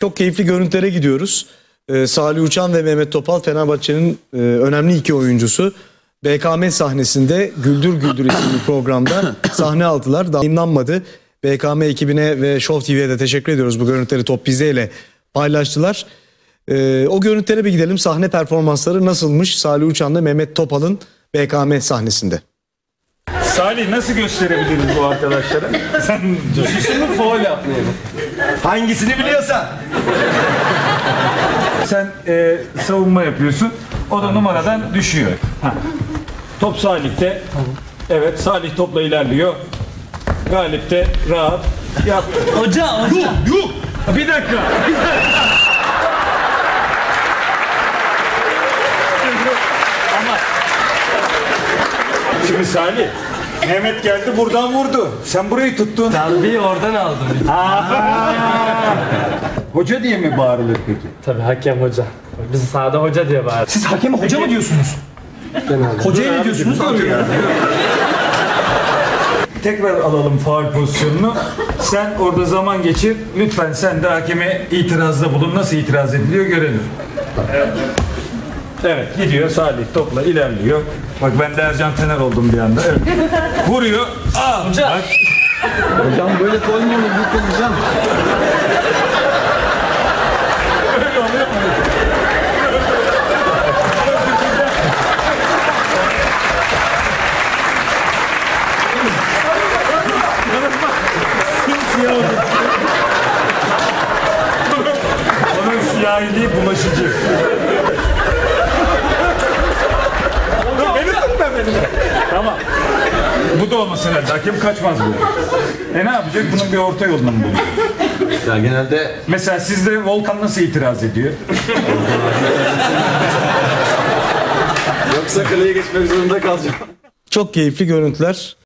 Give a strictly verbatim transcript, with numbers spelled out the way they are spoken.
Çok keyifli görüntülere gidiyoruz. Ee, Salih Uçan ve Mehmet Topal Fenerbahçe'nin e, önemli iki oyuncusu. B K M sahnesinde Güldür Güldür isimli programda sahne aldılar. Daha yayınlanmadı. B K M ekibine ve Show T V'ye de teşekkür ediyoruz. Bu görüntüleri Top Bizde ile paylaştılar. Ee, o görüntülere bir gidelim. Sahne performansları nasılmış Salih Uçan'la Mehmet Topal'ın B K M sahnesinde? Salih, nasıl gösterebiliriz bu arkadaşlara? Sen düşüşünü faul yapmayalım. Hangisini biliyorsan. Sen e, savunma yapıyorsun. O da numaradan düşüyor. Ha. Top Salih'te. Evet, Salih topla ilerliyor. Galip de rahat. Yap. Hoca, hoca. Yuh, yuh. Bir dakika. Bir dakika. Ama şimdi Salih, Mehmet geldi buradan vurdu. Sen burayı tuttun. Darbeyi oradan aldım. Hoca diye mi bağırılır peki? Tabii hakem hoca. Biz sahada hoca diye bağırıyoruz. Siz hakeme hoca mı diyorsunuz? Hocaya ne diyorsunuz? Tekrar alalım faul pozisyonunu. Sen orada zaman geçir. Lütfen sen de hakeme itirazda bulun. Nasıl itiraz ediliyor görelim. Evet. Evet, gidiyor Salih topla ilerliyor. Bak ben de Ercan Tener oldum bir anda. Evet. Vuruyor. Aa, hocam. Bak. Hocam böyle koymuyor mu? Bu hocam. Öyle oluyor mu? Simsiyah oldu. Onun siyahiliği bulaşıcı. Beni tutma beni. Tamam. Bu da olmasın herhalde. Hakem kaçmaz bu. E ne yapacak? Bunun bir orta yolunu mu bulacak? Ya genelde... Mesela sizde Volkan nasıl itiraz ediyor? Yoksa kaleye geçmek zorunda kalacağım. Çok keyifli görüntüler.